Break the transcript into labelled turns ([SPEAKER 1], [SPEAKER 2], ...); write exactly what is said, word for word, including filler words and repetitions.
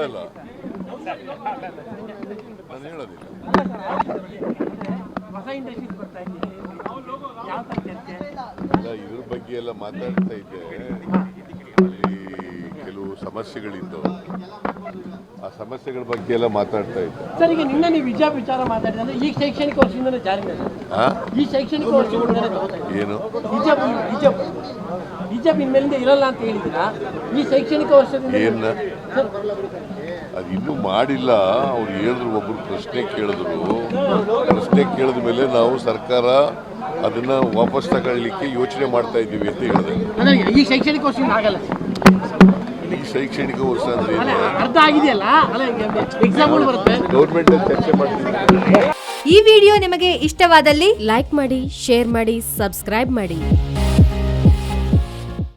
[SPEAKER 1] ಹೇಳಲ್ಲ, ನಾನು ಹೇಳೋದಿಲ್ಲ. ಇಲ್ಲ, ಇದ್ರ ಬಗ್ಗೆ ಎಲ್ಲ ಮಾತಾಡ್ತಾ ಇದ್ದೆ. ಅಲ್ಲಿ ಕೆಲವು ಸಮಸ್ಯೆಗಳಿದ್ದು, ಆ ಸಮಸ್ಯೆಗಳ ಬಗ್ಗೆ ಎಲ್ಲ ಮಾತಾಡ್ತಾ ಇದ್ದೆ.
[SPEAKER 2] ಸರ್, ಈಗ ನಿನ್ನೆ ನೀವು ವಿಜಯ ವಿಚಾರ ಮಾತಾಡಿದ್ರೆ ಈ ಶೈಕ್ಷಣಿಕ ವರ್ಷದಿಂದಲೇ ಜಾರಿ ಈ ಶೈಕ್ಷಣಿಕ ವರ್ಷದಿಂದಲೇ
[SPEAKER 1] ಏನು
[SPEAKER 2] ಹಿಜಾಬ್ ಹಿಜಾಬ್ ಹಿಜಾಬ್ ಇನ್ಮೇಲಿಂದ ಇರಲ್ಲ ಅಂತ ಹೇಳಿದ್ದೀರಾ? ಈ ಶೈಕ್ಷಣಿಕ ವರ್ಷದಿಂದ
[SPEAKER 1] ಏನ ಅದು ಇನ್ನೂ ಮಾಡಿಲ್ಲ. ಅವ್ರು ಹೇಳಿದ್ರು, ಒಬ್ರು ಪ್ರಶ್ನೆ ಕೇಳಿದ್ರು. ಪ್ರಶ್ನೆ ಕೇಳಿದ ಮೇಲೆ ನಾವು ಸರ್ಕಾರ ಅದನ್ನ ವಾಪಸ್ ತಗೊಳ್ಳಿಕ್ಕೆ ಯೋಚನೆ ಮಾಡ್ತಾ ಇದ್ದೀವಿ ಅಂತ ಹೇಳಿದೆ.
[SPEAKER 2] ಈ ಶೈಕ್ಷಣಿಕ ವರ್ಷದಿಂದ ಆಗಲ್ಲ.
[SPEAKER 1] ಈ ಶೈಕ್ಷಣಿಕ ವರ್ಷ ಅಂದ್ರೆ
[SPEAKER 2] ಅರ್ಧ ಆಗಿದೆಯಲ್ಲ, ಎಕ್ಸಾಮ್ಗಳು ಬರುತ್ತೆ.
[SPEAKER 1] ಗೌರ್ಮೆಂಟ್ ಚರ್ಚೆ ಮಾಡ್ತೀವಿ.
[SPEAKER 3] ಈ ವಿಡಿಯೋ ನಿಮಗೆ ಇಷ್ಟವಾದಲ್ಲಿ ಲೈಕ್ ಮಾಡಿ, ಶೇರ್ ಮಾಡಿ, ಸಬ್ಸ್ಕ್ರೈಬ್ ಮಾಡಿ.